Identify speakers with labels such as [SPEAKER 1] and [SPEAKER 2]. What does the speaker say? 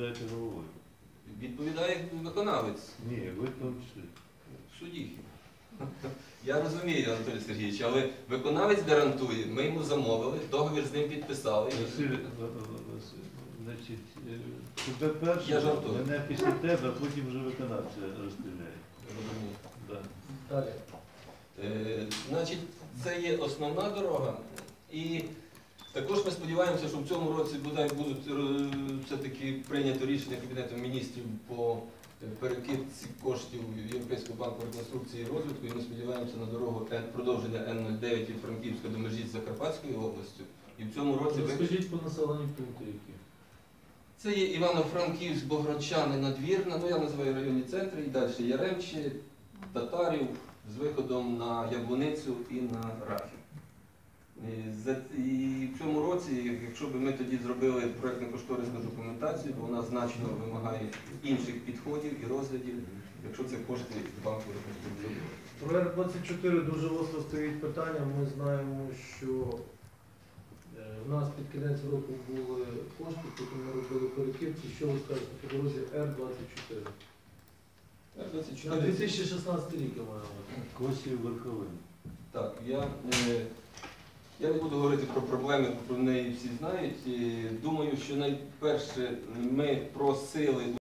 [SPEAKER 1] відповідаєте головою.
[SPEAKER 2] Відповідає виконавець.
[SPEAKER 1] Ні, ви в тому числі.
[SPEAKER 2] Судді. Я розумію, Анатолій Сергійович, але виконавець гарантує, ми йому замовили, договір з ним підписали.
[SPEAKER 1] Василь, значить, тебе перше,
[SPEAKER 2] Я жартую.
[SPEAKER 1] мене після тебе, а потім вже виконавця розстріляє.
[SPEAKER 2] Розумію.
[SPEAKER 1] Да.
[SPEAKER 3] Далі.
[SPEAKER 2] Значить, це є основна дорога. І також ми сподіваємося, що в цьому році будуть все-таки прийнято рішення Кабінету міністрів по перекидці коштів Європейського банку реконструкції і розвитку. І ми сподіваємося на дорогу продовження Н-09 від Франківська до межі з Закарпатською областю. І в цьому році...
[SPEAKER 3] Розкажіть по населенню пункту, які.
[SPEAKER 2] Це є Івано-Франківськ, Богородчани, Надвірна, ну я називаю районні центри, і далі Яремчі, Татарів, з виходом на Яблуницю і на Рахів. І в цьому році, якщо б ми тоді зробили проєктно-кошторисну документацію, то вона значно вимагає інших підходів і розглядів, якщо це кошти банку реконструкції.
[SPEAKER 3] Про Р-24 дуже остро стоїть питання. Ми знаємо, що у нас під кінець року були кошти, потім ми робили перекидки. Що ви скажете по дорозі Р-24? На 2016 рік я маю.
[SPEAKER 1] Косів верховин.
[SPEAKER 2] Так, я не буду говорити про проблеми, про неї всі знають. Думаю, що найперше ми просили